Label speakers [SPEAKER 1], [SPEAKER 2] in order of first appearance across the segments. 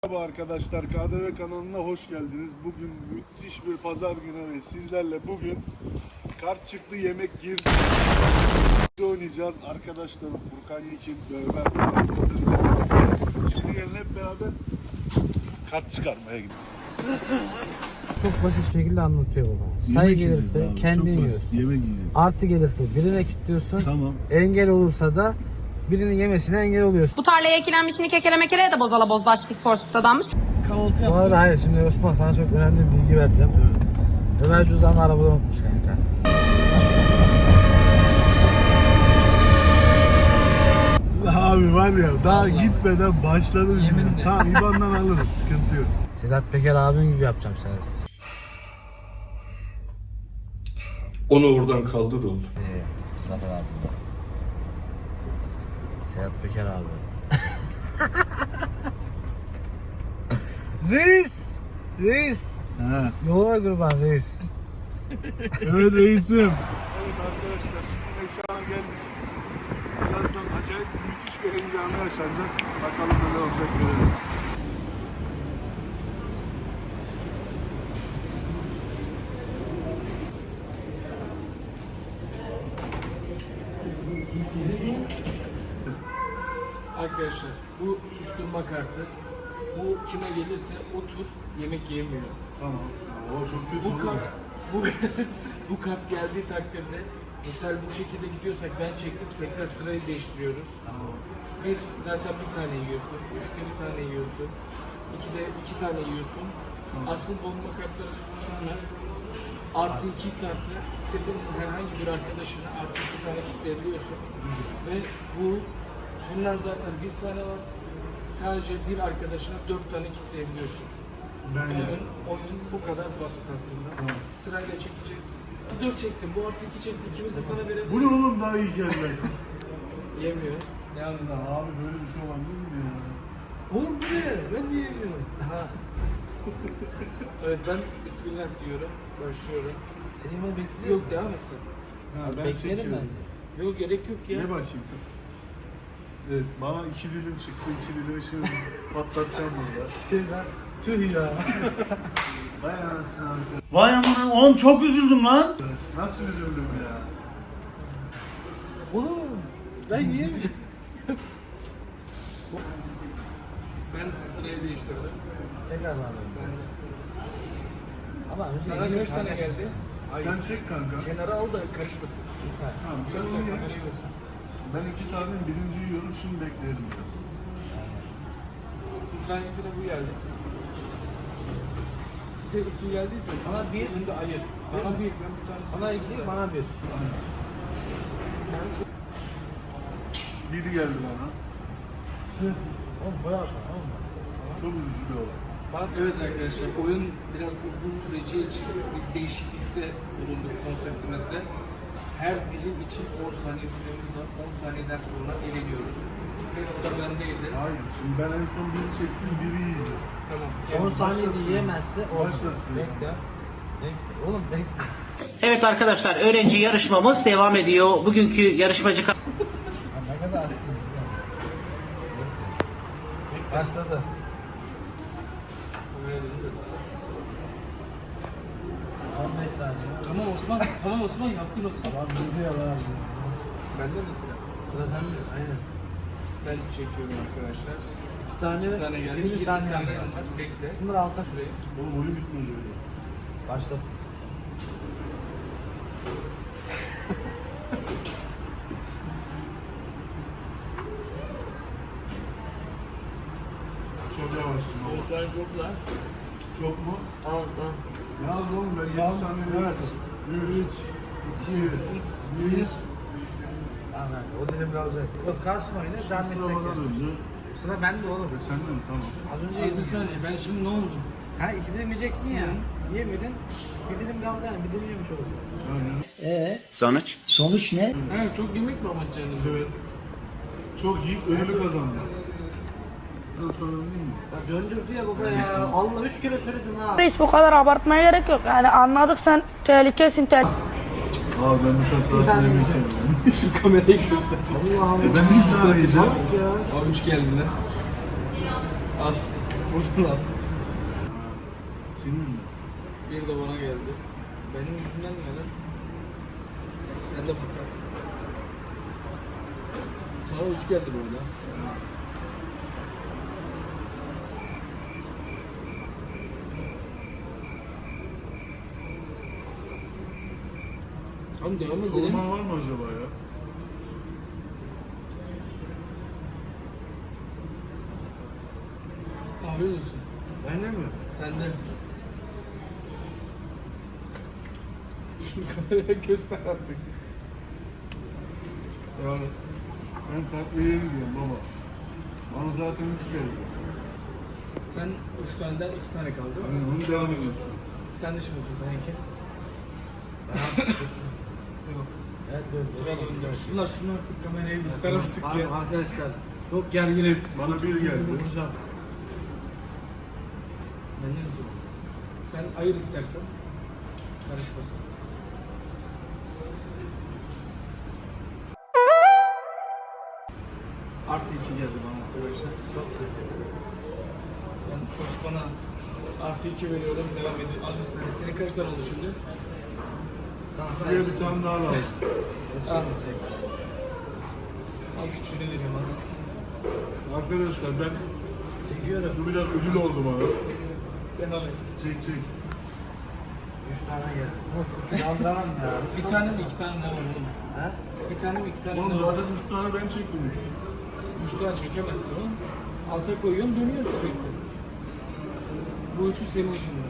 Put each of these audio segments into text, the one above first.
[SPEAKER 1] Merhaba arkadaşlar, KDV kanalına hoş geldiniz. Bugün müthiş bir pazar günü ve sizlerle bugün kart çıktı yemek girdi oynayacağız. Arkadaşlarım Furkan Yekin, Ömer Furkan. Şimdi gelin hep beraber kart çıkarmaya gidiyoruz.
[SPEAKER 2] Çok basit şekilde anlatıyor baba. Sayı gelirse kendin yiyorsun.
[SPEAKER 1] Yemek yiyeceğiz.
[SPEAKER 2] Artı gelirse birine kilitliyorsun.
[SPEAKER 1] Tamam.
[SPEAKER 2] Engel olursa da birinin yemesine engel oluyorsun.
[SPEAKER 3] Bu tarlaya ekilenmişini kekele mekeleye de bozala bozbaş bir porsukta danmış.
[SPEAKER 4] Kahvaltı
[SPEAKER 2] Bu
[SPEAKER 4] yaptım.
[SPEAKER 2] arada hayır, şimdi Osman sana çok önemli bir bilgi vereceğim. Ömer cüzdanı arabada unutmuş kanka.
[SPEAKER 1] Abi var ya daha
[SPEAKER 4] Vallahi.
[SPEAKER 1] gitmeden başladım şimdi.
[SPEAKER 4] Yeminle.
[SPEAKER 1] Tamam İBAN'dan alırız, sıkıntı yok.
[SPEAKER 2] Sedat Peker abin gibi yapacağım sana.
[SPEAKER 1] Onu oradan kaldır oğlum.
[SPEAKER 2] Zafer abi. Sedat Peker abi. Reis! Reis!
[SPEAKER 1] Ha.
[SPEAKER 2] Yola kurban reis.
[SPEAKER 1] Evet reisim. Evet arkadaşlar şimdi mekana geldik. Birazdan acayip müthiş bir heyecanı yaşanacak. Bakalım neler olacak görelim.
[SPEAKER 4] Arkadaşlar bu susturma kartı. Bu kime gelirse o tur yemek yemiyor.
[SPEAKER 1] Tamam. O çok kötü
[SPEAKER 4] Bu
[SPEAKER 1] olur
[SPEAKER 4] kart
[SPEAKER 1] ya.
[SPEAKER 4] bu kart geldiği takdirde mesela bu şekilde gidiyorsak ben çektim tekrar sırayı değiştiriyoruz. Bir zaten bir tane yiyorsun, üçte bir tane yiyorsun, ikide iki tane yiyorsun. Asıl bomba kartları şunlar. Artı iki kartı istediğin herhangi bir arkadaşına artı iki tane kitleyebiliyorsun. Ve bundan zaten bir tane var. Sadece bir arkadaşına 4 tane kitleyebiliyorsun. Oyun bu kadar basit aslında. Sırayla çekeceğiz. 4 çektim, bu artı 2 çekti. İkimiz de sana verebiliriz.
[SPEAKER 1] Bu ne oğlum, daha iyi geldi.
[SPEAKER 4] Yemiyor. Devam et.
[SPEAKER 1] Ya abi böyle bir şey olabilir mi ya?
[SPEAKER 2] Oğlum bu ne? Ben niye yemiyorum?
[SPEAKER 4] Ha. Evet, ben Bismillah diyorum. Başlıyorum.
[SPEAKER 2] Seni yemeği bekleyeceğiz.
[SPEAKER 4] Yok, devam et sen.
[SPEAKER 1] Ha, ben
[SPEAKER 2] Bekleyelim
[SPEAKER 1] seçiyorum.
[SPEAKER 2] bence.
[SPEAKER 4] Yok, gerek yok ya.
[SPEAKER 1] Ne başlayayım? Evet, bana 2 dilim çıktı. 2 dilimi şimdi patlatacağım burada.
[SPEAKER 2] Şeyden tüh ya.
[SPEAKER 1] Vay anasını abi.
[SPEAKER 5] Vay amına oğlum çok üzüldüm lan.
[SPEAKER 1] Nasıl üzüldüm ya?
[SPEAKER 2] Oğlum ben yiyemiyorum.
[SPEAKER 4] Ben sırayı değiştirdim.
[SPEAKER 2] Tekrar var. Ama
[SPEAKER 4] Sana kaç tane geldi? Ay,
[SPEAKER 1] Sen çek kanka.
[SPEAKER 4] kenara al da karışmasın.
[SPEAKER 1] Tamam, sen
[SPEAKER 4] Göster,
[SPEAKER 1] onu ye.
[SPEAKER 4] kamerayı göster.
[SPEAKER 1] Ben 2 tane birinci yiyorum, şimdi bekleyelim biraz.
[SPEAKER 4] Ukrayna'da bu geldi. Bir de iki geldiyse
[SPEAKER 2] Sana bir,
[SPEAKER 4] bunu da ayır. Bana bir, ben bir tane
[SPEAKER 2] sana iki, bana bir.
[SPEAKER 4] Ben şu
[SPEAKER 1] Biri geldi bana.
[SPEAKER 2] Oğlum bayağı tamam mı?
[SPEAKER 1] Çok üzücü bir olay.
[SPEAKER 4] Bak, evet arkadaşlar, oyun biraz uzun süreceği için bir değişiklikte bulunduk konseptimizde. Her dilim için 10 saniye süremiz var. 10 saniyeden sonra eleniyoruz. Ve sıra bendeydi.
[SPEAKER 1] Hayır, şimdi ben en son biri çektim, biri yiyeceğim.
[SPEAKER 4] Tamam.
[SPEAKER 2] 10 saniyede yiyemezse olmaz.
[SPEAKER 1] Başla süre.
[SPEAKER 2] Bekle. Bekle. Oğlum bekle.
[SPEAKER 6] Evet arkadaşlar, öğrenci yarışmamız devam ediyor. Bugünkü yarışmacı
[SPEAKER 2] Ha, ne kadar aksın. Başladı. 15 saniye.
[SPEAKER 4] Tamam Osman, yaptın Osman.
[SPEAKER 2] Lan bir yalan.
[SPEAKER 4] Bende mi sıra?
[SPEAKER 2] Sıra sende. Aynen.
[SPEAKER 4] Ben çekiyorum arkadaşlar.
[SPEAKER 2] 2
[SPEAKER 4] 2 tane geldi.
[SPEAKER 2] 20
[SPEAKER 4] 20
[SPEAKER 2] saniye
[SPEAKER 4] saniye
[SPEAKER 2] var.
[SPEAKER 4] var. Bekle.
[SPEAKER 2] Şunları alta şuraya.
[SPEAKER 1] Oğlum oyun bitmedi öyle.
[SPEAKER 2] Başla.
[SPEAKER 1] Çok yavaşsın oğlum.
[SPEAKER 4] Sen çok lan.
[SPEAKER 1] Çok mu?
[SPEAKER 4] Tamam.
[SPEAKER 1] Yalnız oğlum ben 7 saniye verdim. 3, 2, 1.
[SPEAKER 2] Tamam. O dilim kalacak. Yok kalsın oyunu. Devam
[SPEAKER 1] Sıra
[SPEAKER 2] edecek.
[SPEAKER 1] bana
[SPEAKER 2] yani.
[SPEAKER 1] döndü.
[SPEAKER 2] Sıra bende oğlum.
[SPEAKER 1] Sen de mi? Tamam.
[SPEAKER 2] Az önce
[SPEAKER 4] Bir
[SPEAKER 2] yedim.
[SPEAKER 4] saniye, ben şimdi ne oldum?
[SPEAKER 2] Ha 2 dilim yiyecektin ya. Yiyemedin. Bir dilim kaldı yani. Bir dilim yemiş oldun.
[SPEAKER 1] Aynen.
[SPEAKER 5] Sonuç? Sonuç ne?
[SPEAKER 4] Ha, çok yemek mi amaç canım?
[SPEAKER 1] Evet. Çok yiyip ödülü kazandı. Bundan sonra değil mi?
[SPEAKER 2] Ya döndürdü ya baba ya. Allah 3 kere söyledim ha.
[SPEAKER 7] Reis bu kadar abartmaya gerek yok. Yani anladık sen tehlikesin.
[SPEAKER 1] Abi ben bu şartlar
[SPEAKER 2] Bir tane
[SPEAKER 1] altında yemek
[SPEAKER 2] yiyeceğim.
[SPEAKER 1] yemiyorum.
[SPEAKER 4] Şu kamerayı göster.
[SPEAKER 2] Allah Allah.
[SPEAKER 1] Ben 3 tane yiyeceğim.
[SPEAKER 2] Salak ya.
[SPEAKER 4] Abi 3 geldi lan. Al. vurdu lan.
[SPEAKER 1] Senin mi?
[SPEAKER 4] Bir de bana geldi. Benim yüzümden mi lan? Sen de bakar. Sana 3 geldi burada. Tamam devam edelim.
[SPEAKER 1] Koruma var mı acaba ya?
[SPEAKER 4] Afiyet olsun.
[SPEAKER 2] Ben de mi?
[SPEAKER 4] Sen de. Şu kameraya göster artık. Devam et.
[SPEAKER 1] Ben farklı yere gidiyorum baba. Bana zaten 3 geldi.
[SPEAKER 4] Sen 3 taneden 2 tane kaldı.
[SPEAKER 1] Hani onu devam ediyorsun.
[SPEAKER 4] Sen de şimdi Furkan Eke. Yok.
[SPEAKER 2] Evet böyle.
[SPEAKER 4] Sıra döndür. Şunu artık kameraya göster artık
[SPEAKER 2] Abi
[SPEAKER 4] ya.
[SPEAKER 2] arkadaşlar çok gerginim.
[SPEAKER 1] Bana bir geldi.
[SPEAKER 2] Vuracağım.
[SPEAKER 4] Benden misin? Sen ayır istersen. Karışmasın. Artı 2 geldi bana arkadaşlar. Ben Osman'a artı 2 veriyorum. Devam ediyor. Al bir saniye. Senin kaç tane oldu şimdi?
[SPEAKER 1] Size bir tane daha lazım.
[SPEAKER 4] Al. Al küçüğünü veriyorum. Al.
[SPEAKER 1] Arkadaşlar ben
[SPEAKER 2] Çekiyorum.
[SPEAKER 1] bu biraz ödül oldu bana.
[SPEAKER 4] Devam et.
[SPEAKER 1] Çek çek.
[SPEAKER 2] 3 tane geldi. Boş uçu kaldıramam ya.
[SPEAKER 4] Bir tane mi 2 tane ne var oğlum?
[SPEAKER 2] He?
[SPEAKER 4] Bir tane mi 2 tane
[SPEAKER 1] Oğlum
[SPEAKER 4] ne var?
[SPEAKER 1] zaten 3 tane ben çektim 3.
[SPEAKER 4] 3 tane çekemezsin oğlum. Alta koyuyorsun dönüyor sürekli. Bu üçü senin şimdi.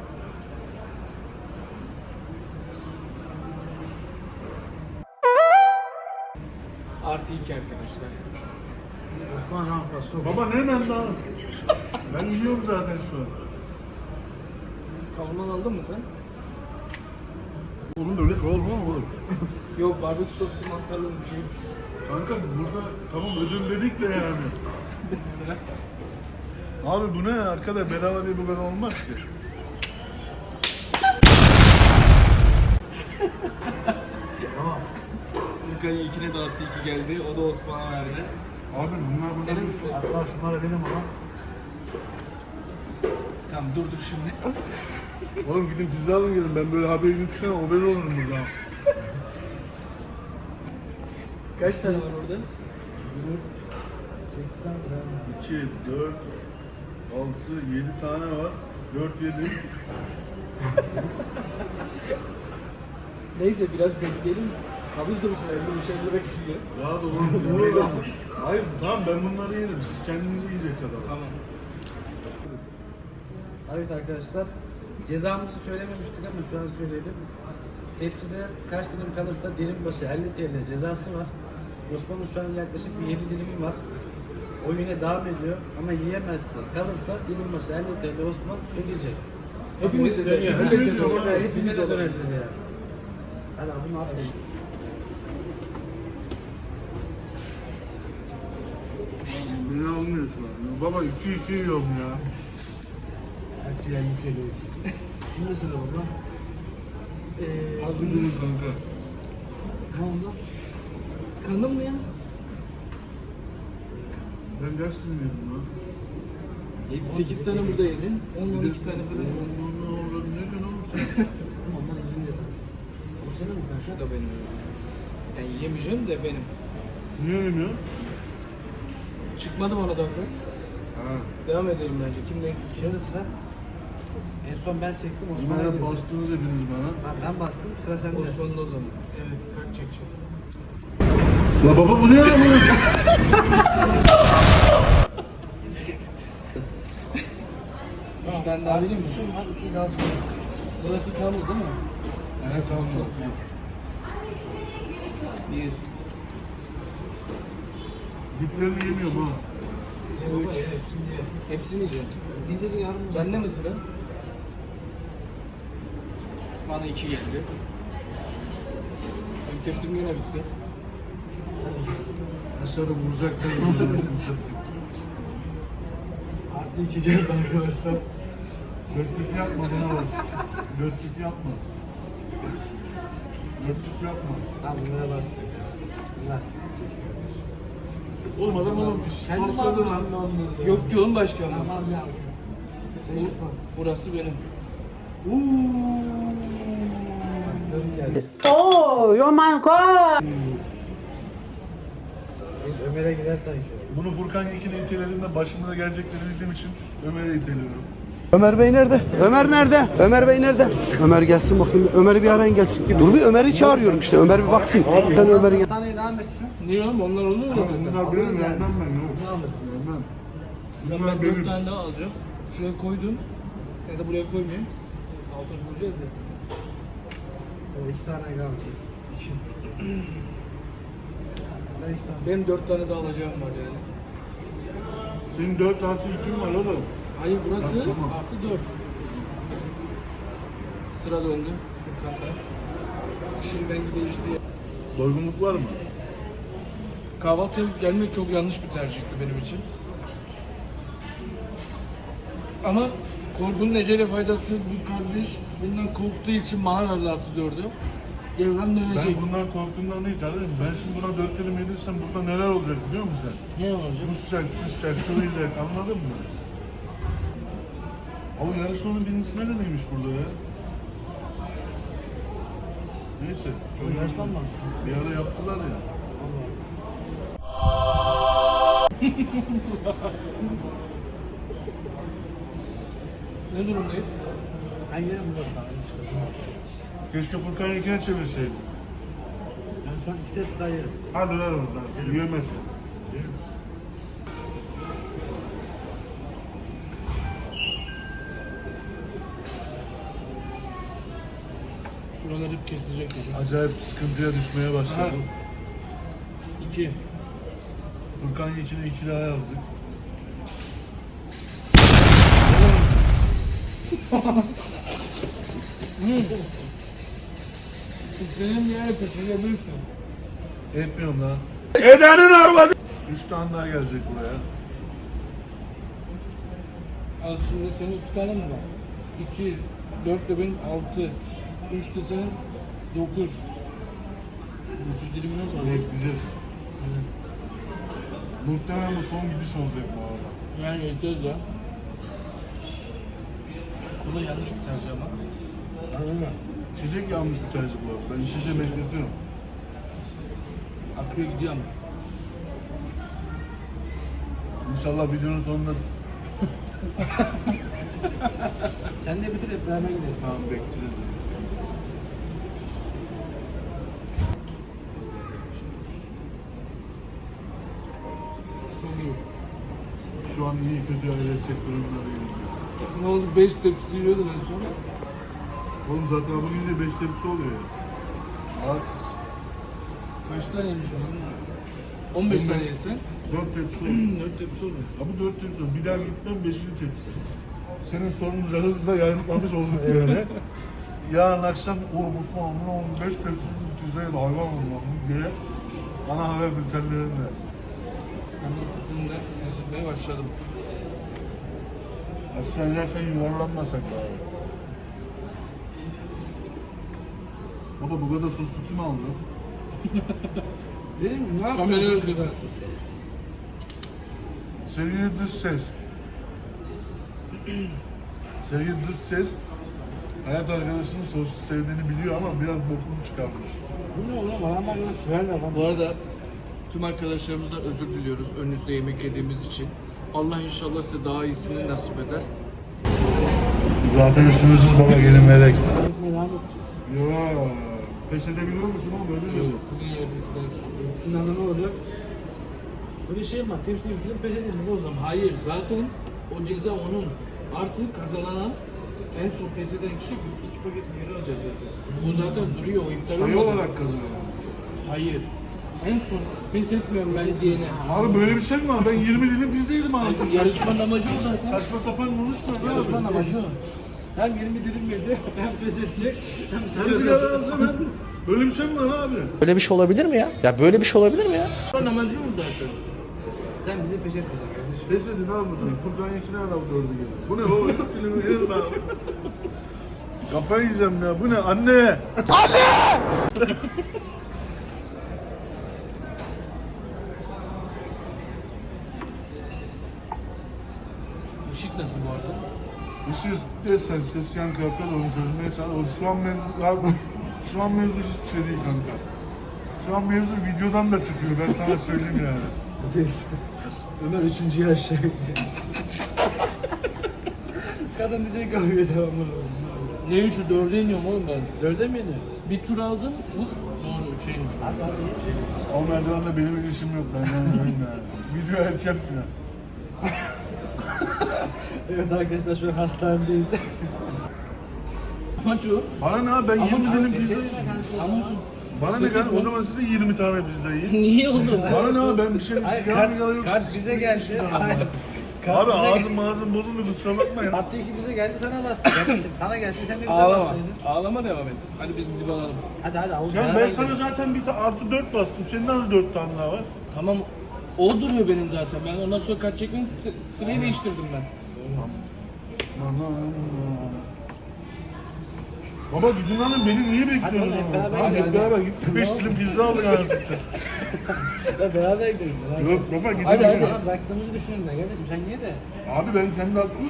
[SPEAKER 4] Artı 2 arkadaşlar.
[SPEAKER 2] Osman Rampa sok.
[SPEAKER 1] Baba ne hemen daha? Ben yiyorum zaten şu an.
[SPEAKER 4] Kavurman aldın mı sen?
[SPEAKER 1] Oğlum öyle kavurma mı olur?
[SPEAKER 4] Yok barbekü soslu mantarlı bir şey.
[SPEAKER 1] Kanka burada tamam ödül dedik de yani.
[SPEAKER 4] Sıra.
[SPEAKER 1] Abi bu ne arkada bedava diye bu kadar olmaz ki.
[SPEAKER 2] Tamam.
[SPEAKER 4] Furkan'ın ikine de artı 2 geldi. O da Osman'a verdi.
[SPEAKER 1] Abi bunlar burada
[SPEAKER 4] Senin
[SPEAKER 1] bir
[SPEAKER 2] Hatta şunları benim ama.
[SPEAKER 4] Tamam dur şimdi.
[SPEAKER 1] Oğlum gidin pizza alın gelin. Ben böyle haberi yüksene obez olurum burada.
[SPEAKER 4] Kaç tane var orada?
[SPEAKER 1] 2, 4, 6, 7 tane var. 4, 7.
[SPEAKER 4] Neyse biraz bekleyelim. Kabız da bu sefer 50 lira gidiyor.
[SPEAKER 1] Daha da olur. Hayır tamam ben bunları yerim. Siz kendiniz yiyecek kadar.
[SPEAKER 4] Tamam.
[SPEAKER 2] Evet arkadaşlar. Cezamızı söylememiştik ama şu an söyleyelim. Tepside kaç dilim kalırsa dilim başı 50 TL cezası var. Osman'ın şu an yaklaşık bir 7 dilimi var. O yine devam ediyor ama yiyemezse kalırsa dilim başı 50 TL Osman ödeyecek.
[SPEAKER 4] Hepimize de,
[SPEAKER 2] Dönüyor.
[SPEAKER 4] hepimize de,
[SPEAKER 2] Hepimize de,
[SPEAKER 4] hepimize de
[SPEAKER 2] dönebilir yani. Hadi abi bunu atlayın.
[SPEAKER 1] Beni almıyor şu an. Baba 2 yiyorum ya.
[SPEAKER 2] Her şey 50 TL için. Şimdi sıra burada.
[SPEAKER 1] Az bir durun kanka.
[SPEAKER 4] Ne oldu? Tıkandın mı ya?
[SPEAKER 1] Ben ders dinliyordum lan.
[SPEAKER 4] 8 tane burada yedin. 10-12 tane falan.
[SPEAKER 1] Ne olur ne diyorsun oğlum sen?
[SPEAKER 2] Onlar İngilizce. O senin mi
[SPEAKER 4] Şu
[SPEAKER 2] kanka?
[SPEAKER 4] da benim. Ben yiyemeyeceğim de benim.
[SPEAKER 1] Niye yemiyorsun?
[SPEAKER 4] Çıkmadı bana da Fırat.
[SPEAKER 1] Ha.
[SPEAKER 4] Devam edelim bence. Kim neyse.
[SPEAKER 2] Şimdi sıra. En son ben çektim Osman'a
[SPEAKER 1] Osman'a
[SPEAKER 2] girdi.
[SPEAKER 1] bastınız hepiniz bana.
[SPEAKER 2] Ben bastım sıra sende.
[SPEAKER 4] Osman'ın o zaman. Evet kart çekecek.
[SPEAKER 1] La baba bu ne ya bu?
[SPEAKER 4] 3 tane daha vereyim mi?
[SPEAKER 2] Üçüm var, üçü kalsın.
[SPEAKER 4] Burası tam değil mi?
[SPEAKER 1] Evet tamam çok.
[SPEAKER 4] 1,
[SPEAKER 1] Diplerini yemiyorum ha.
[SPEAKER 4] 3. Hepsini yiyeceğim.
[SPEAKER 2] İncecik yarım
[SPEAKER 4] Bende mi sıra? Bana 2 geldi. Benim tepsim yine bitti.
[SPEAKER 1] Aşağıda vuracaklar birbirlerini satayım.
[SPEAKER 2] Artı 2 geldi arkadaşlar.
[SPEAKER 1] Dörtlük yapma bana bak. Dörtlük yapma. Dörtlük yapma.
[SPEAKER 2] Tamam bunlara bastık. Bunlar.
[SPEAKER 1] Oğlum adam oğlum
[SPEAKER 2] Kendim
[SPEAKER 1] sosladı
[SPEAKER 2] almıştım
[SPEAKER 1] lan.
[SPEAKER 2] ben onları.
[SPEAKER 4] Yok ki oğlum başka ama.
[SPEAKER 2] Tamam ya.
[SPEAKER 4] Burası benim.
[SPEAKER 2] Oh my god. Ömer'e girer sanki.
[SPEAKER 1] Bunu Furkan Yekin'e itelediğimde başımıza gelecekleri bildiğim için Ömer'e iteliyorum.
[SPEAKER 8] Ömer Bey nerede? Ömer nerede? Ömer Bey nerede? Ömer gelsin bakayım. Ömer'i bir arayın gelsin. Dur bir Ömer'i çağırıyorum işte. Ömer bir baksın. Ben Ömer'i gel.
[SPEAKER 2] Tane devam etsin.
[SPEAKER 4] Niye oğlum? Onlar olur mu?
[SPEAKER 1] Bunlar benim vermem ben.
[SPEAKER 2] Ne alırız?
[SPEAKER 1] Vermem.
[SPEAKER 4] Ben
[SPEAKER 1] Bunlar
[SPEAKER 4] 4
[SPEAKER 1] benim.
[SPEAKER 4] tane daha alacağım. Şuraya koydum. Ya da buraya koymayayım. Altına koyacağız ya.
[SPEAKER 2] O 2 tane kaldı. 2. Ben 2 tane.
[SPEAKER 4] Benim 4 tane daha alacağım var yani.
[SPEAKER 1] Senin 4 artı 2'in var oğlum.
[SPEAKER 4] Hayır burası
[SPEAKER 1] Tamam.
[SPEAKER 4] artı 4. Sıra döndü Furkan'da. İşin rengi değişti.
[SPEAKER 1] Doygunluk var mı?
[SPEAKER 4] Kahvaltıya gelmek çok yanlış bir tercihti benim için. Ama korkunun ecele faydası bu kardeş bundan korktuğu için bana verdi artı 4'ü. Devran dönecek.
[SPEAKER 1] Ben bundan korktuğumdan değil kardeşim. Ben şimdi buna 4 dilim yedirsem burada neler olacak biliyor musun sen?
[SPEAKER 4] Ne olacak?
[SPEAKER 1] Bu sıcak, sıcak, sıvayacak anladın mı? Ama yarışmanın birincisi neredeymiş burada ya? Neyse. Çok
[SPEAKER 2] Yaşlanmamış.
[SPEAKER 1] bir ara yaptılar ya.
[SPEAKER 4] Ne durumdayız?
[SPEAKER 2] Ben yerim bu arada.
[SPEAKER 1] Keşke Furkan Yekin'e çevirseydim.
[SPEAKER 2] Ben şu an 2 tepsi daha yerim.
[SPEAKER 1] Hadi ver oradan. Yiyemez.
[SPEAKER 4] Buralar hep kesilecek dedi.
[SPEAKER 1] Acayip sıkıntıya düşmeye başladı.
[SPEAKER 4] 2.
[SPEAKER 1] Furkan Yekin'e 2 daha yazdık.
[SPEAKER 4] İstediğin yere pişirebilirsin.
[SPEAKER 1] Etmiyorum lan.
[SPEAKER 8] Edenin arvadı.
[SPEAKER 1] 3 tane daha gelecek buraya.
[SPEAKER 4] Az şimdi senin 2 tane mi var? 2, 4 de benim 6, 3 de senin 9. 9 dilimi nasıl alıyor?
[SPEAKER 1] Bekleyeceğiz. Muhtemelen bu son gidiş olacak bu arada.
[SPEAKER 4] Yani yeter ya. Kola yanlış bir tercih ama.
[SPEAKER 1] İçecek yanlış bir tercih bu arada. Ben içeceği bekletiyorum.
[SPEAKER 4] Akıyor gidiyor ama.
[SPEAKER 1] İnşallah videonun sonunda
[SPEAKER 2] Sen de bitir hep beraber gidelim.
[SPEAKER 1] tamam bekleyeceğiz.
[SPEAKER 4] Çok iyi.
[SPEAKER 1] Şu an iyi kötü öğretecek durumları iyi.
[SPEAKER 4] Ne oldu? 5 tepsi yiyordun en son.
[SPEAKER 1] Oğlum zaten bu gidince 5 tepsi oluyor ya. Haksız.
[SPEAKER 4] Kaç tane yemiş oldun? 15 tane yesen
[SPEAKER 1] 4 tepsi oluyor.
[SPEAKER 4] 4 tepsi olur.
[SPEAKER 1] Abi 4 tepsi oluyor. Bir daha gitmem 5. tepsi. Senin sorunca hızla yayınlamış olduk böyle. Yarın akşam Osman oğlum 5 tepsi güzel hayvan olmalı diye ana haber bültenlerinde.
[SPEAKER 4] Ben de tıklımda kesilmeye başladım.
[SPEAKER 1] Aşağı inerken yuvarlanmasak daha iyi. O da bu kadar sosu kim aldı?
[SPEAKER 2] Benim mi? Ne yapacağım?
[SPEAKER 4] Kamerayı öldürsün.
[SPEAKER 1] Sevgili dış ses. Sevgili dış ses. Hayat arkadaşının sosu sevdiğini biliyor ama biraz bokunu çıkarmış.
[SPEAKER 2] Bu ne oğlum? Bana bak şöyle lan.
[SPEAKER 4] Bu arada tüm arkadaşlarımızdan özür diliyoruz önünüzde yemek yediğimiz için. Allah inşallah size daha iyisini nasip eder.
[SPEAKER 1] Zaten sınırsız baba gelin melek.
[SPEAKER 2] Devam edeceğiz.
[SPEAKER 1] Ya pes edebiliyor musun oğlum böyle mi?
[SPEAKER 4] Sizin yerinizden
[SPEAKER 2] Finalde ne olacak? Öyle şey mi var? Tepsiyi bitirip pes edelim o zaman.
[SPEAKER 4] Hayır zaten o ceza onun. Artık kazanan en son pes eden kişi 2 paket sigara alacak zaten. O zaten duruyor o iptal
[SPEAKER 1] Sayı
[SPEAKER 4] olmadı.
[SPEAKER 1] olarak kazanıyor.
[SPEAKER 4] Hayır. En son pes etmiyorum ben diyene.
[SPEAKER 1] Abi böyle bir şey mi var? Ben 20 dilim pizza yedim abi.
[SPEAKER 4] Yarışmanın amacı o zaten.
[SPEAKER 1] Saçma sapan konuşma.
[SPEAKER 4] Yarışmanın
[SPEAKER 1] abi.
[SPEAKER 4] amacı o.
[SPEAKER 2] Hem 20 dilim yedi, hem pes edecek, hem
[SPEAKER 1] Sen sigara alacağım hem. Böyle bir şey mi var abi?
[SPEAKER 8] Böyle bir şey olabilir mi ya? Ya böyle bir şey olabilir mi ya?
[SPEAKER 4] Yarışmanın amacı o zaten.
[SPEAKER 2] Sen bizi pes etmeyeceksin kardeşim.
[SPEAKER 1] Pes edin abi bunu. Furkan Yekin'e ara bu dördü geliyor. Bu ne baba? 3 dilimi yedim abi. Kafayı yiyeceğim ya. Bu ne? Anne!
[SPEAKER 4] Işık nasıl bu arada?
[SPEAKER 1] Işığı desen ses yankı yapar onu çözmeye çalış. Şu an mevzu hiçbir şey değil kanka. Şu an mevzu videodan da çıkıyor ben sana söyleyeyim yani.
[SPEAKER 2] Ömer 3. yaş. Kadın diyecek kahveye devamlı.
[SPEAKER 4] Ne üçü? 4'e iniyorum oğlum ben.
[SPEAKER 2] 4'e mi iniyor?
[SPEAKER 4] Bir tur aldım. Bu doğru 3'e inmiş.
[SPEAKER 1] O merdivenle benim işim yok ben yani. Video erken falan.
[SPEAKER 2] Evet arkadaşlar şu an hastanedeyiz.
[SPEAKER 4] Amaç o.
[SPEAKER 1] Bana ne abi ben 20 dilim pizza
[SPEAKER 4] Amaç o.
[SPEAKER 1] Bana ne kadar o zaman siz de 20 tane pizza yiyin.
[SPEAKER 4] Niye oğlum?
[SPEAKER 1] Bana ne abi ben bir şey sigara mı yok.
[SPEAKER 2] Kart bize geldi. Hayır.
[SPEAKER 1] Abi ağzım bozuldu kusura bakmayın.
[SPEAKER 2] Artı 2 bize geldi sana bastı kardeşim. Sana gelse sen de bize
[SPEAKER 4] Ağlama.
[SPEAKER 2] bassaydın.
[SPEAKER 4] Ağlama devam et. Hadi biz gidip alalım.
[SPEAKER 2] Hadi Avuz.
[SPEAKER 1] Ya ben sana zaten bir artı 4 bastım. Senin az 4 tane daha var.
[SPEAKER 4] Tamam. O duruyor benim zaten. Ben ondan sonra kart çekmeyeyim. Sırayı değiştirdim ben.
[SPEAKER 1] Baba gidin lan beni niye bekliyorsun?
[SPEAKER 2] Hadi hep beraber
[SPEAKER 1] Hadi
[SPEAKER 2] gidelim.
[SPEAKER 1] hep beraber git. 5 dilim pizza al yani.
[SPEAKER 2] Ya beraber gidelim.
[SPEAKER 1] Yok baba gidelim.
[SPEAKER 4] Hadi, hadi.
[SPEAKER 2] Sana bıraktığımızı düşünüyorum da kardeşim sen niye de?
[SPEAKER 1] Abi ben kendi aklım.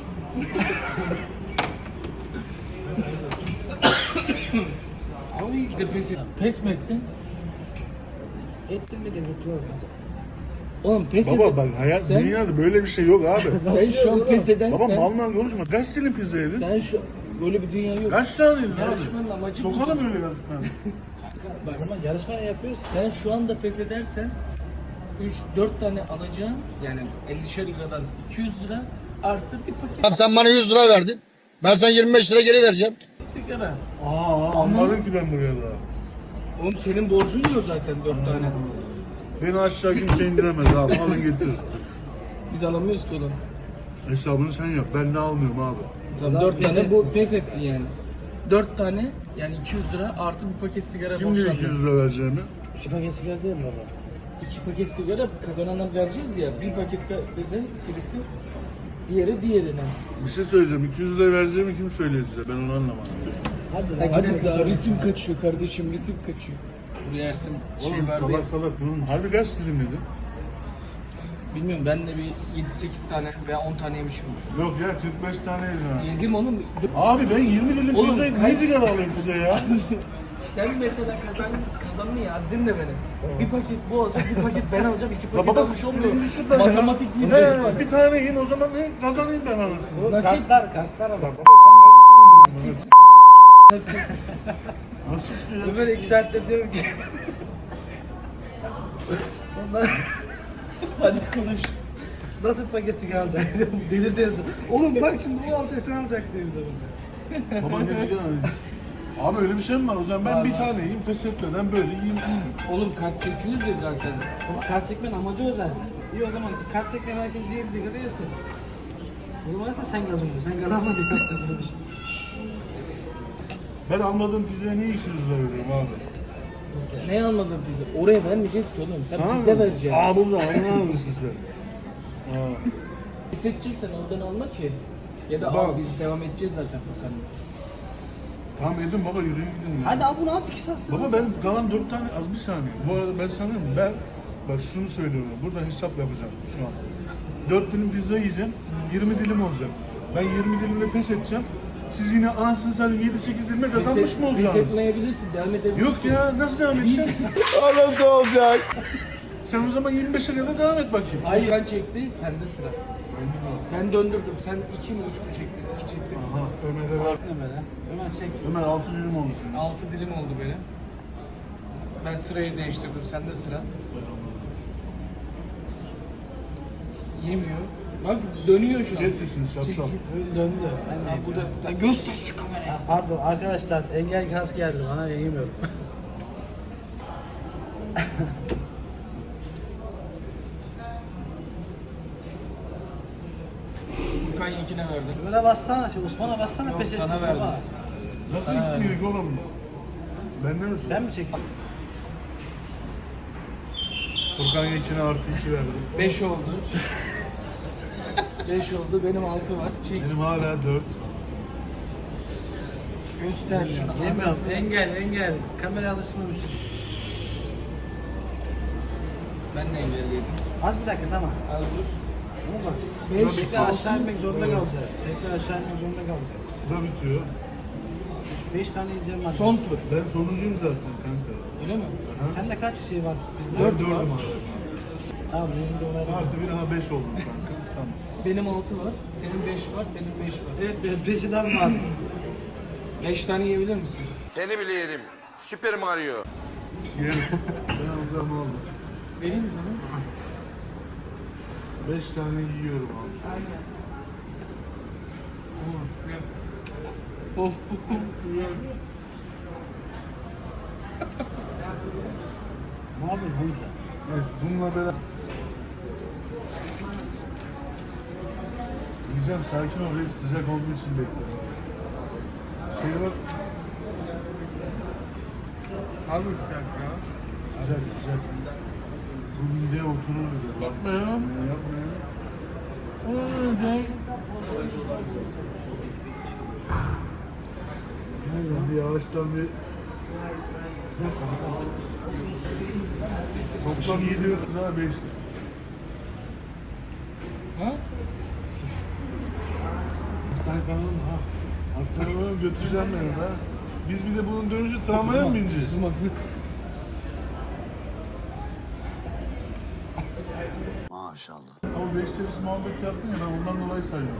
[SPEAKER 4] Abi iyi ki de pes et. Pes mi ettin?
[SPEAKER 2] Ettim mi de mutlu oldum.
[SPEAKER 4] Oğlum pes
[SPEAKER 1] Baba
[SPEAKER 4] edin.
[SPEAKER 1] bak hayat
[SPEAKER 4] sen,
[SPEAKER 1] dünyada böyle bir şey yok abi.
[SPEAKER 4] sen şu an pes eden
[SPEAKER 1] Baba
[SPEAKER 4] sen,
[SPEAKER 1] mal konuşma. Kaç dilim pizza yedin?
[SPEAKER 4] sen şu böyle bir dünya yok.
[SPEAKER 1] Kaç tane yedin
[SPEAKER 4] Yarışmanın
[SPEAKER 1] abi?
[SPEAKER 4] amacı
[SPEAKER 1] Sokalım
[SPEAKER 4] budur.
[SPEAKER 1] öyle yarışmanı.
[SPEAKER 2] Ama yarışma ne yapıyoruz?
[SPEAKER 4] Sen şu anda pes edersen 3-4 tane alacağın yani 50'şer liradan 200 lira artı bir paket
[SPEAKER 5] Tamam sen bana 100 lira verdin. Ben sana 25 lira geri vereceğim.
[SPEAKER 4] sigara.
[SPEAKER 1] Anladım ki ben buraya da.
[SPEAKER 4] Oğlum senin borcun yok zaten 4 tane.
[SPEAKER 1] Beni aşağı kimse indiremez abi. Alın getir.
[SPEAKER 4] Biz alamıyoruz ki oğlum.
[SPEAKER 1] Hesabını sen yap. Ben de almıyorum abi.
[SPEAKER 4] Tamam 4 tane bu pes ettin yani. 4 tane yani 200 lira artı bir paket sigara
[SPEAKER 1] Kim diyor 200
[SPEAKER 4] borçlandın.
[SPEAKER 1] lira vereceğimi?
[SPEAKER 2] 2 paket sigara değil mi baba?
[SPEAKER 4] 2 paket sigara kazanana vereceğiz ya. Bir paket birisi diğerine.
[SPEAKER 1] Bir şey söyleyeceğim. 200 lira vereceğimi kim söylüyor size? Ben onu anlamadım.
[SPEAKER 2] Hadi
[SPEAKER 4] Hadi ritim kaçıyor kardeşim ritim kaçıyor. Buraya Ersin şey
[SPEAKER 1] Oğlum
[SPEAKER 4] vardı ya.
[SPEAKER 1] salak salak. Oğlum harbi kaç dilim yedin?
[SPEAKER 4] Bilmiyorum ben de bir 7-8 tane veya 10 tane yemişim.
[SPEAKER 1] Yok ya 45 tane yedim.
[SPEAKER 4] Yedim oğlum.
[SPEAKER 1] Abi ben 20 dilim
[SPEAKER 4] Oğlum,
[SPEAKER 1] pizzayı
[SPEAKER 4] kaç-
[SPEAKER 1] ne sigara alayım size ya?
[SPEAKER 4] Sen mesela kazandın ya az dinle beni. Bir paket bu alacak, bir paket ben alacağım, 2 paket
[SPEAKER 1] baba,
[SPEAKER 4] almış olmuyor.
[SPEAKER 1] düşün ben ya.
[SPEAKER 4] Matematik diye bir şey var.
[SPEAKER 1] He, bir tane yiyin o zaman ne kazanayım ben anasını.
[SPEAKER 4] Nasip.
[SPEAKER 2] Kartlar ama.
[SPEAKER 4] Nasip. Nasip.
[SPEAKER 1] Nasıl ya?
[SPEAKER 2] Ömer 2 saattir diyorum ki. Ondan
[SPEAKER 4] Hadi konuş.
[SPEAKER 2] nasıl paket sigara alacak? Delir diyorsun. Oğlum bak şimdi bu alacak sen alacak diyor bir de.
[SPEAKER 1] Baba ne sigara alayım? Abi öyle bir şey mi var? O zaman ben bir tane yiyeyim pes etmeden böyle yiyeyim.
[SPEAKER 4] Oğlum kart çekiyoruz ya zaten.
[SPEAKER 2] Ama kart çekmenin amacı o zaten. İyi o zaman kart çekmeyen herkes yiyebildiği kadar yesin. O zaman da sen kazanıyorsun. Sen kazanmadın kart çekmenin bir şey.
[SPEAKER 1] Ben almadığım pizzaya niye 200 lira veriyorum abi?
[SPEAKER 4] Ne anladın bize? Oraya vermeyeceğiz ki oğlum. Sen
[SPEAKER 1] Tamam
[SPEAKER 4] bize
[SPEAKER 1] mı?
[SPEAKER 4] vereceksin.
[SPEAKER 1] Aa bunu da anlar mısın sen? Aa.
[SPEAKER 4] Hissedeceksen oradan alma ki. Ya da
[SPEAKER 1] Baba.
[SPEAKER 4] al biz devam edeceğiz zaten Furkan'la.
[SPEAKER 1] Tamam Edim baba yürüyün gidin ya.
[SPEAKER 2] Hadi al bunu at 2 saatte.
[SPEAKER 1] Baba ben kalan 4 tane az bir saniye. Bu arada ben sanıyorum ben bak şunu söylüyorum. Burada hesap yapacağım şu an. 4 dilim pizza yiyeceğim. 20 dilim olacak. Ben 20 dilimle pes edeceğim. Siz yine anasını satayım 7-8 dilime kazanmış mı
[SPEAKER 4] Pes
[SPEAKER 1] olacaksınız?
[SPEAKER 4] etmeyebilirsin, devam edebilirsin.
[SPEAKER 1] Yok ya nasıl devam
[SPEAKER 4] Biz...
[SPEAKER 1] edeceğim? Nasıl olacak? Sen o zaman 25'e kadar devam et bakayım.
[SPEAKER 4] Hayır ben çekti, sende sıra. Ben döndürdüm, sen 2 mi 3 mü çektin? 2 çektin.
[SPEAKER 1] Aha Ömer'e ver.
[SPEAKER 2] Ömer'e. Ömer çek.
[SPEAKER 1] Ömer 6 dilim olmuş.
[SPEAKER 4] 6 dilim oldu benim. Ben sırayı değiştirdim, sende sıra. Yemiyor. Bak dönüyor şu an.
[SPEAKER 1] Kes sesini şapşal.
[SPEAKER 2] Döndü.
[SPEAKER 4] Ya burada ya göster şu kamerayı.
[SPEAKER 2] Pardon arkadaşlar engel kart geldi bana yiyemiyorum.
[SPEAKER 4] Furkan Yekin'e verdim.
[SPEAKER 2] Ömer'e bassana, Osman'a bassana
[SPEAKER 4] Yok,
[SPEAKER 2] pes etsin
[SPEAKER 4] sana verdim.
[SPEAKER 2] baba.
[SPEAKER 1] Nasıl gitmiyor oğlum? Benden misin?
[SPEAKER 2] Ben mi çekeyim?
[SPEAKER 1] Furkan Yekin'e artı 2 verdim.
[SPEAKER 4] 5 oldu. 5 oldu, benim 6 var. Çek,
[SPEAKER 1] Benim hala 4.
[SPEAKER 4] göster şunu.
[SPEAKER 2] Yemiyorum.
[SPEAKER 4] Anasını.
[SPEAKER 2] Engel. Kameraya alışmamışım.
[SPEAKER 4] Ben de engelledim.
[SPEAKER 2] Az bir dakika tamam.
[SPEAKER 4] Az dur.
[SPEAKER 2] Ama bak,
[SPEAKER 4] Beş,
[SPEAKER 2] tekrar aşağı
[SPEAKER 4] altı,
[SPEAKER 2] inmek zorunda kalacağız. Tekrar aşağı inmek zorunda kalacağız.
[SPEAKER 1] Sıra bitiyor.
[SPEAKER 2] 5 tane yiyeceğim var.
[SPEAKER 4] Son tur.
[SPEAKER 1] Ben sonuncuyum zaten kanka.
[SPEAKER 4] Öyle mi?
[SPEAKER 2] Sende kaç şey var? Bizde
[SPEAKER 1] Ben
[SPEAKER 2] 4
[SPEAKER 1] dördüm
[SPEAKER 2] var.
[SPEAKER 1] abi.
[SPEAKER 2] Tamam, rezil de olaylar.
[SPEAKER 1] Artı bir daha 5 oldum kanka. Tamam.
[SPEAKER 4] Benim 6 var. Senin 5 var. Senin 5 var.
[SPEAKER 2] Evet, peşinden var.
[SPEAKER 4] 5 tane yiyebilir misin?
[SPEAKER 5] Seni bile yerim. Süper Mario.
[SPEAKER 1] Gel. Ben alacağım ne oldu?
[SPEAKER 4] Vereyim mi sana?
[SPEAKER 1] 5 tane yiyorum abi.
[SPEAKER 4] Oh.
[SPEAKER 2] Ne yapıyorsun oğlum sen?
[SPEAKER 1] Evet, bununla beraber... Diyeceğim sakin ol reis, sıcak olduğu için bekliyorum. Şey var,
[SPEAKER 4] Abi sıcak ya.
[SPEAKER 1] sıcak sıcak. Bu mideye oturur bize.
[SPEAKER 4] Yapma ya.
[SPEAKER 1] Yapma ya. Sen bir yavaştan bir... Toplam 7 sıra 5.
[SPEAKER 4] Ha?
[SPEAKER 1] Bir tane kanalım ha. Hastaneye götüreceğim beni ha. Biz bir de bunun dönüşü tramvaya mı bineceğiz?
[SPEAKER 5] Maşallah.
[SPEAKER 1] Ama 5 tepsi muhabbet yaptın ya, ben ondan dolayı sayıyorum.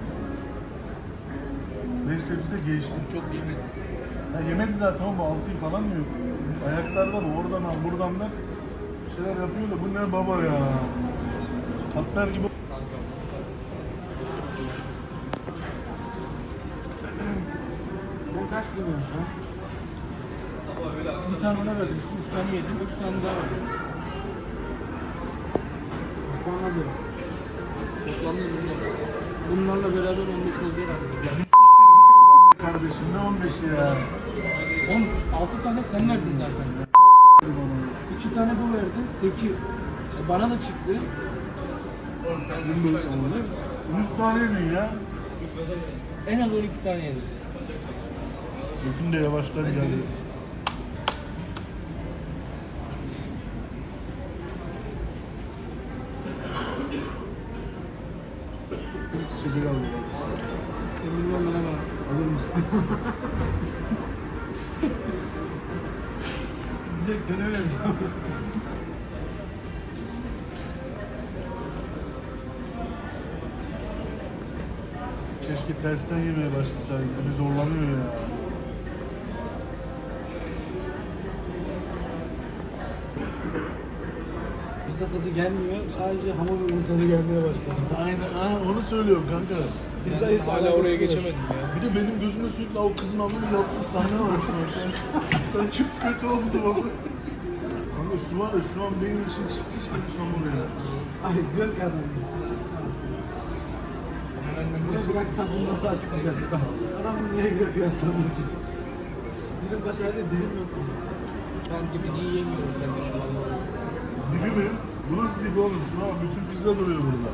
[SPEAKER 1] 5 tepsi de geçtim.
[SPEAKER 4] Çok yemedim.
[SPEAKER 1] Ya yemedi zaten ama 6'yı falan mı yok? Ayaklardan oradan al buradan da şeyler yapıyor da bu ne baba ya? Katmer gibi.
[SPEAKER 2] Bu kaç biliyorsun sen?
[SPEAKER 4] Bir tane ona verdim. 3 tane yedim. 3 tane daha verdim.
[SPEAKER 2] Bana diyor.
[SPEAKER 4] Toplamda bunlarla beraber 15 oldu herhalde.
[SPEAKER 1] Kardeşim ne 15'i ya?
[SPEAKER 4] 6 tane sen verdin zaten. 2 tane bu verdi. 8. Bana da çıktı.
[SPEAKER 1] 100 tane yedin ya.
[SPEAKER 4] En az 12 tane yedim.
[SPEAKER 1] Bütün de yavaştan geldi. Şeker aldım.
[SPEAKER 4] Bilmem ne var.
[SPEAKER 1] Alır mısın?
[SPEAKER 2] Direkt dönemedim.
[SPEAKER 1] Keşke tersten yemeye başlasaydık. Bir zorlanıyor ya.
[SPEAKER 2] Bizde tadı gelmiyor. Sadece hamur ürün tadı gelmeye başladı.
[SPEAKER 1] Aynen, onu söylüyorum kanka.
[SPEAKER 2] Bizde hiç
[SPEAKER 4] Hala
[SPEAKER 2] alakası
[SPEAKER 4] oraya
[SPEAKER 2] yok.
[SPEAKER 4] geçemedim ya.
[SPEAKER 1] Bir de benim gözümde sürekli o kızın hamuru yaptığı sahne var şu an. Ben çok kötü oldum valla. Kanka şu var ya, şu an benim için pişmemiş hamur ya.
[SPEAKER 2] Ay gör ki adam. Bunu bıraksam bunu nasıl açıklayacak? Adam bunu niye görüyor adamı? Dilim başı halde dilim yok.
[SPEAKER 4] Ben dibini yiyemiyorum kardeşim.
[SPEAKER 1] Dibi mi? Bu nasıl dibi oğlum? Şuna bak, bütün pizza duruyor burada.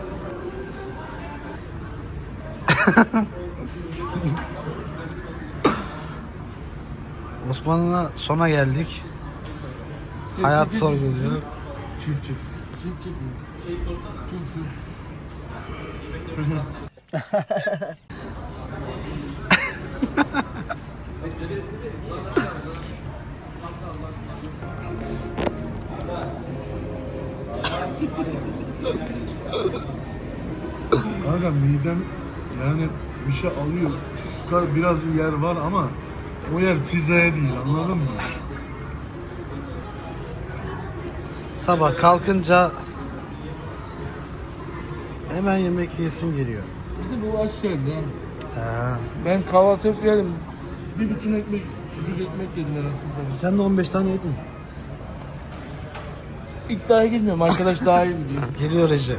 [SPEAKER 8] Osmanlı'na sona geldik. Hayat sorguluyor.
[SPEAKER 1] Çift çift.
[SPEAKER 4] Çift mi? Şey sorsana. Şu.
[SPEAKER 1] Kanka midem yani bir şey alıyor. Şu kadar biraz bir yer var ama o yer pizzaya değil, anladın mı?
[SPEAKER 8] Sabah kalkınca hemen yemek yesim geliyor.
[SPEAKER 4] Bir de bu aç geldi ha.
[SPEAKER 8] Ha.
[SPEAKER 4] Ben kahvaltı yapıyorum. Bir bütün ekmek, sucuk ekmek yedim anasını satayım.
[SPEAKER 8] Sen de 15 tane yedin.
[SPEAKER 4] İddiaya girmiyorum. Arkadaş daha iyi biliyor.
[SPEAKER 8] Geliyor Recep.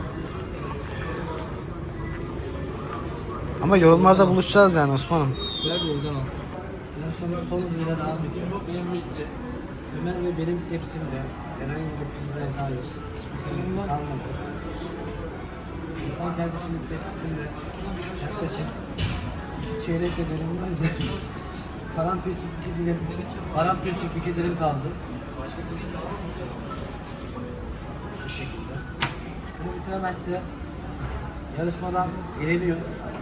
[SPEAKER 8] Ama yorumlarda buluşacağız yani Osman'ım.
[SPEAKER 4] Ver bir oradan alsın.
[SPEAKER 2] En son son hızıyla devam ediyor.
[SPEAKER 4] Benim bitti.
[SPEAKER 2] Ömer ve benim tepsimde herhangi bir pizzaya dair hiçbir kelime kalmadı. Osman kardeşimin tepsisinde yaklaşık 2 çeyrekle dönülmez de paramparçık 2 dilim, paramparçık 2 dilim kaldı. Bu şekilde. Bunu bitiremezse yarışmadan eleniyor.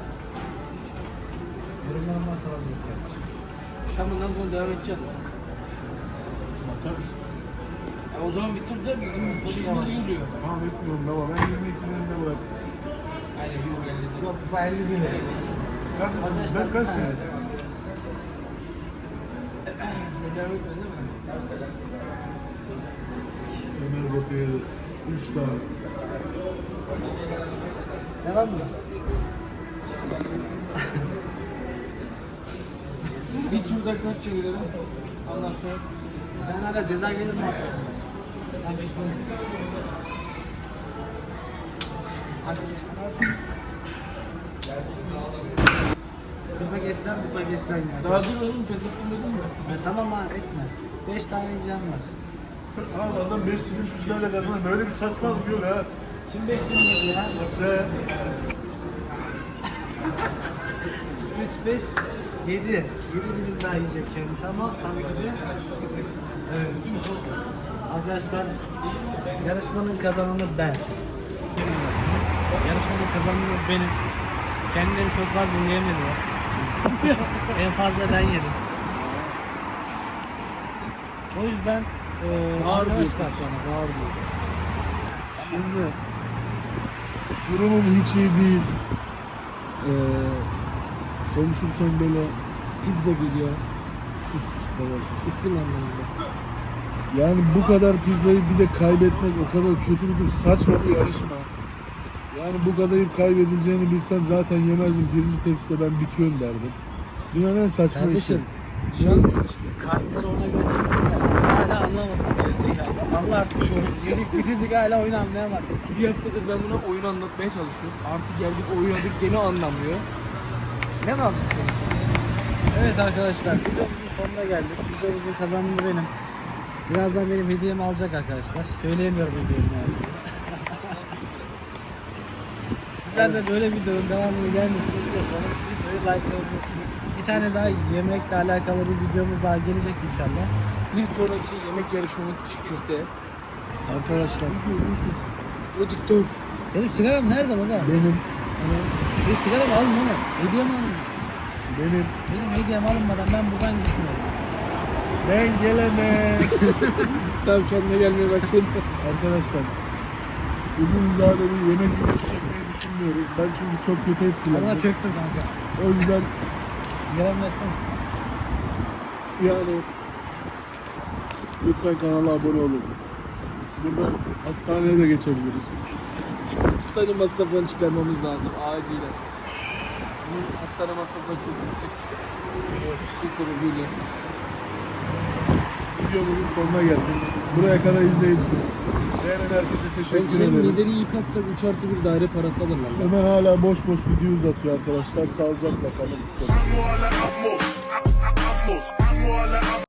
[SPEAKER 2] Yorumlarım varsa alabilirsin.
[SPEAKER 4] Şam'dan sonra devam edeceğim.
[SPEAKER 1] Bakarız.
[SPEAKER 4] O zaman bir tur da bizim şeyimiz yürüyor.
[SPEAKER 1] Tamam etmiyorum baba. Ben 22'lerinde bıraktım.
[SPEAKER 4] Aynen yok elde değil.
[SPEAKER 2] Yok bu 50 değil.
[SPEAKER 1] Kardeşim ben kaç sene?
[SPEAKER 4] Sen devam etmedin değil mi?
[SPEAKER 1] Ömer Bakır'a 3 tane.
[SPEAKER 2] Devam mı?
[SPEAKER 4] Bir turda kaç çevirelim? Ondan sonra
[SPEAKER 2] Ben hala ceza gelir mi? Ben bekliyorum. Bir geçsen, bir geçsen ya.
[SPEAKER 4] daha dur oğlum pes ettirmedin mi?
[SPEAKER 2] Tamam ha etme. 5 tane yiyeceğim var.
[SPEAKER 1] Abi adam 5 silim tüzlerle kazanır. Böyle bir saçmalık yok ha.
[SPEAKER 2] Kim 5 tane yedi ya?
[SPEAKER 1] Sen
[SPEAKER 2] 3, 5, 7. 7 dilim daha yiyecek kendisi ama tabii ki de evet. Arkadaşlar yarışmanın kazananı ben. Yarışmanın kazananı benim. Kendileri çok fazla yiyemediler. En fazla ben yedim. O yüzden arkadaşlar
[SPEAKER 1] şimdi durumum hiç iyi değil. Konuşurken böyle
[SPEAKER 4] Pizza geliyor.
[SPEAKER 1] sus baba sus.
[SPEAKER 4] İsim anlamında.
[SPEAKER 1] Yani bu kadar pizzayı bir de kaybetmek o kadar kötü bir saçma bir yarışma. Yani bu kadar kaybedileceğini bilsem zaten yemezdim. Birinci tepside ben bitiyorum derdim. Dünyanın en saçma işi.
[SPEAKER 2] kardeşim şans işte. Kartları ona göre çektiler. Hala anlamadım. Allah artık şu oyunu yedik bitirdik hala oyunu anlayamadık.
[SPEAKER 4] Bir haftadır ben buna oyun anlatmaya çalışıyorum. Artık geldik oynadık gene anlamıyor. Ne lazım sana?
[SPEAKER 2] Evet arkadaşlar videomuzun sonuna geldik. Videomuzun kazananı benim. Birazdan benim hediyemi alacak arkadaşlar. Söyleyemiyorum hediyemi yani. Sizler de böyle videonun devamını gelmesini istiyorsanız videoyu likelayabilirsiniz. Bir tane daha yemekle alakalı bir videomuz daha gelecek inşallah.
[SPEAKER 4] Bir sonraki yemek yarışmamız çiğ köfte.
[SPEAKER 1] Arkadaşlar
[SPEAKER 4] Prodüktör.
[SPEAKER 2] Benim sigaram nerede baba?
[SPEAKER 1] benim
[SPEAKER 2] Benim sigaramı alın oğlum. Hediyemi alın.
[SPEAKER 1] benim
[SPEAKER 2] Benim hediyem alınmadan ben buradan gitmiyorum.
[SPEAKER 1] ben gelemem.
[SPEAKER 4] Tam kendine gelmeye başladı.
[SPEAKER 1] Arkadaşlar uzun vadeli bir yemek videosu çekmeyi düşünmüyoruz. Ben çünkü çok kötü
[SPEAKER 2] Bana
[SPEAKER 1] etkilendim.
[SPEAKER 2] çöktüm kanka.
[SPEAKER 1] O yüzden
[SPEAKER 2] Sigaramı versene.
[SPEAKER 1] yani lütfen kanala abone olun. Burada hastaneye de geçebiliriz.
[SPEAKER 4] Hastane masraflarını çıkarmamız lazım acilen. Bu hastane masrafları çok yüksek. Üstü sebebiyle.
[SPEAKER 1] Videomuzun sonuna geldik. Buraya kadar izleyin. Beğenen herkese
[SPEAKER 4] Ben
[SPEAKER 1] teşekkür
[SPEAKER 4] senin
[SPEAKER 1] ederiz.
[SPEAKER 4] mideni yıkatsam 3+1 daire parası alırlar.
[SPEAKER 1] Ömer hala boş boş video uzatıyor arkadaşlar. Sağlıcakla kalın.
[SPEAKER 5] Vamos a la amos, vamos a la amos.